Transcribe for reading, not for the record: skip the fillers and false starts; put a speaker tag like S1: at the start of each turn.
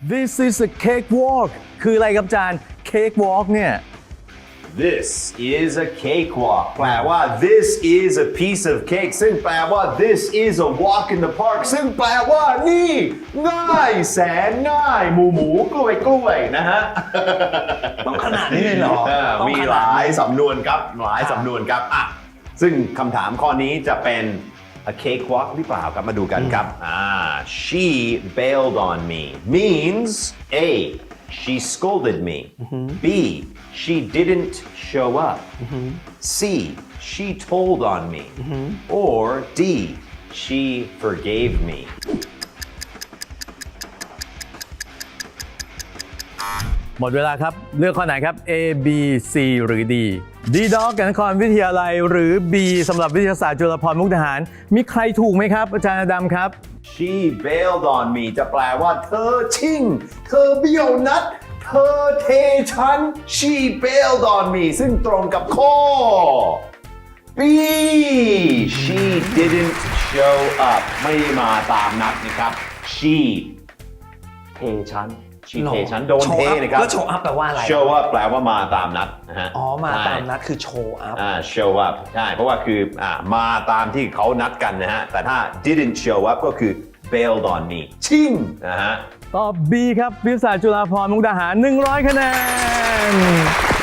S1: This is a cakewalk คืออะไรครับอาจารย์ cakewalk เนี่ย
S2: This is a cakewalk แปลว่า this is a piece of cake ซึ่งแปลว่า this is a walk in the park ซึ่งแปลว่านี่ง่ายแสนง่ายหมูกล้วยนะฮะ
S1: ต้องขนาดนี้เลยเหรอ
S2: มีหลายสำนวนครับหลายสำนวนครับอ่ะซึ่งคำถามข้อนี้จะเป็น a cakewalk หรือเปล่าครับมาดูกันครับshe bailed on me means A she scolded me B she didn't show up C she told on me or D she forgave me
S1: หมดเวลาครับเลือกข้อไหนครับ A B C หรือ D D Dog กับนครวิทยาลัยหรือ B สำหรับวิทยาศาสตร์จุฬาภรณ์มุกดาหารมีใครถูกไหมครับอาจารย์อดัมครับ
S2: She bailed on me จะแปลว่าเธอชิ่งเธอเบี้ยวนัดเธอเทฉัน She bailed on me ซึ่งตรงกับข้อ B She didn't show up ไม่มาตามนัดนะครับ She เทฉัน She เทฉันโดนเทนะครับ
S3: แล้ว show up แปลว่าอะไร
S2: Show up แปลว่ามาตามนัดนะฮะ
S3: อ๋อมาตามนัดคือ show up
S2: show up ใช่เพราะว่าคือมาตามที่เขานัดกันนะฮะแต่ถ้า didn't show up ก็คือ bailed on me ชิ่งนะฮะ
S1: ตอบ B ครับวิทยาศาสตร์จุฬาภรณ์มุกดาหาร100 คะแนน